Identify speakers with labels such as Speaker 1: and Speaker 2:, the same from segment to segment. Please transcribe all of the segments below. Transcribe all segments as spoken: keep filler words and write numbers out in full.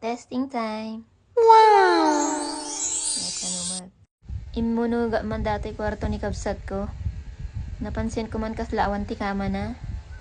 Speaker 1: Testing time.
Speaker 2: Wow!
Speaker 1: Yes, ano man. Imunuga man dati kwarto ni kabsat ko. Napansin ko man kaslawan ti kama na.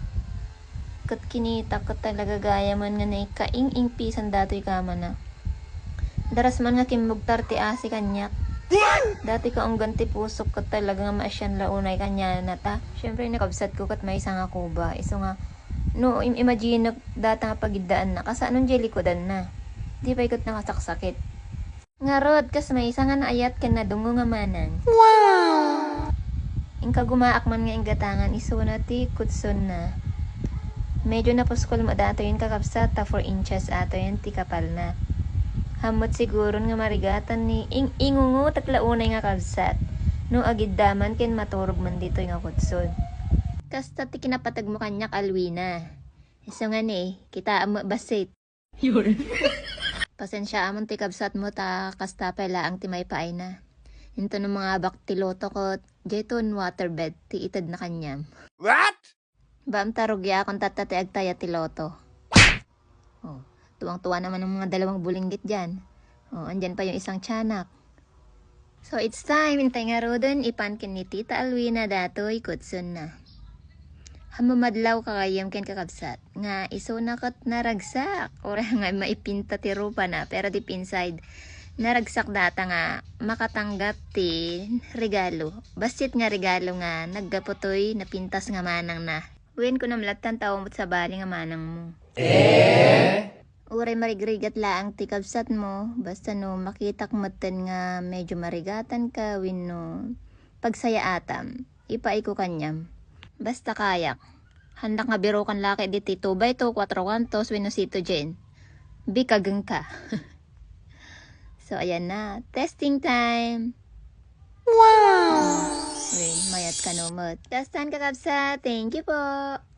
Speaker 1: Kat kinita ko talaga gaya man nga na ikaing-ing pisan dato'y kama na. Daras man nga kimugtar ti asi kanyak. Dati ko ang ganti pusok ko talaga nga maasyan launay kanya na ta. Siyempre nakabsat ko kat may isang ako ba. Iso nga, no, im imagine data nga pagidaan na. Kasa anong jelly ko dan na. Di pa ikot nakasaksakit. Nga rod, kas may isa nga naayat ka na dungo nga manang.
Speaker 2: Wow!
Speaker 1: Ingka gumaak man nga inggatangan, iso na ti kutson na. Medyo napuskol mo dato yun kakapsat, ta four inches ato yun ti kapal na. Hamot siguro nga marigatan ni ing ingungo tatlaunay nga kabsat. No agid daman ken maturog man dito nga kutson. Kasta ti kinapatag mo kanyak alwina. Iso nga ni, kita mo basit.
Speaker 2: Yun.
Speaker 1: Pasensya amon ti kabsat mo ta kasta pala ang timay paay na. Into ng mga baktiloto ko, jeton waterbed ti itad na kanyam.
Speaker 2: What?
Speaker 1: Baam tarugya akong tatati agtaya ti loto. Oh, tuwang-tuwa naman ng mga dalawang bulinggit dyan. Oh, andyan pa yung isang tiyanak. So it's time, intay nga rodon, ipankin ni Tita Alwina datoy kutsun na. Hamamadlaw kakayam ken kakabsat. Nga iso nakat naragsak. Ora nga maipinta ti rupa na, pero deep inside, naragsak data nga makatanggap ti regalo. Basit nga regalo nga naggaputoy napintas nga manang na. Uwin ko namlatan tao mo't sa bali nga manang mo. Eh? Uray marigrigat laang ti kabsat mo. Basta no makitak matan nga medyo marigatan ka win no pagsaya atam. Ipaay ko kanyam. Basta kayak. Handak nga biro kan laki di two by two, four kantos, win no sito jen. Bikagang ka. So, ayan na. Testing time.
Speaker 2: Wow!
Speaker 1: Wait, mayat ka no, mot. Testan ka kapsa. Thank you po.